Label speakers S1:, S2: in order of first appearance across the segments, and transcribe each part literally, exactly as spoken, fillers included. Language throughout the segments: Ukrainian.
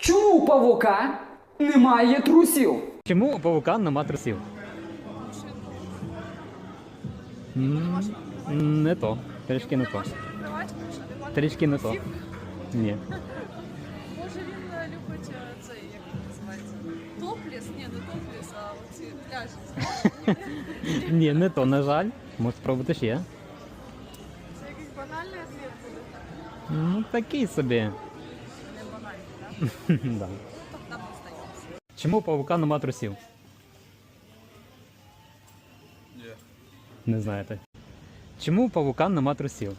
S1: Чому у павука немає трусів?
S2: Чому у павука нема трусів? М, Не то. Трішки не то. Трішки не то. Ні.
S3: Може він е, любить е, цей, як він називається? Топліс? Ні, не топліс, а оці пляжі.
S2: Ні, не то, на жаль. Може спробувати ще.
S3: Це якийсь банальний ответ буде.
S2: Ну, такий собі.
S3: Не банальний, так?
S2: Да.
S3: Тобто нам остається.
S2: Чому у павука нема трусів?
S4: Ні.
S2: Не знаєте. Чому у павука нема трусів?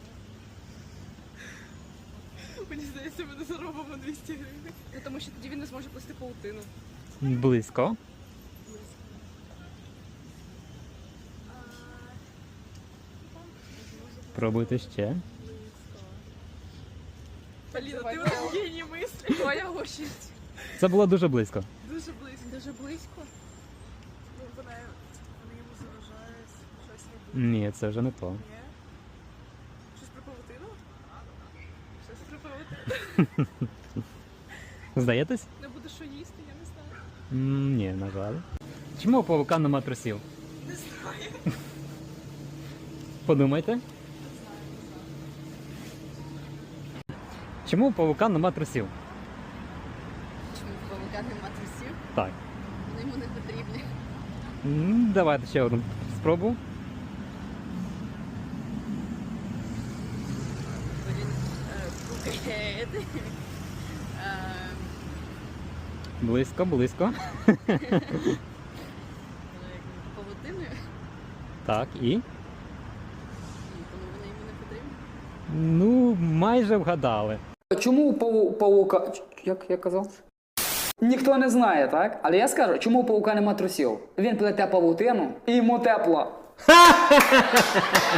S3: Мені здається, ми не заробимо двісті гривень. Ну, тому що тоді він не зможе плести паутину.
S2: Близько. Пробуйте ще.
S3: Поліна, ти у нас геній мислі. Твоя очередь.
S2: Це було дуже близько.
S3: Дуже близько. Дуже близько? Ну, вона, вона йому заважає щось робити.
S2: Ні, це вже не то.
S3: Ні? Щось про павутину? Щось про павутину.
S2: Здаєтесь?
S3: Не буде що їсти, я не знаю.
S2: М, Ні, на жаль. Чому у павука нема трусів?
S3: Не знаю.
S2: Подумайте. Чому у павука нема трусів?
S3: Чому в павука нема трусів?
S2: Так.
S3: Вони йому не потрібні.
S2: М, Давайте ще одну спробу.
S3: Блін, букет.
S2: Близько, близько.
S3: Павутиною?
S2: Так, і?
S3: Ні, тому вони йому не потрібні.
S2: Ну, майже вгадали.
S1: Чому у паву- павука... Як я казав? Ніхто не знає, так? Але я скажу, чому у павука нема трусів? Він плете павутину і йому тепло.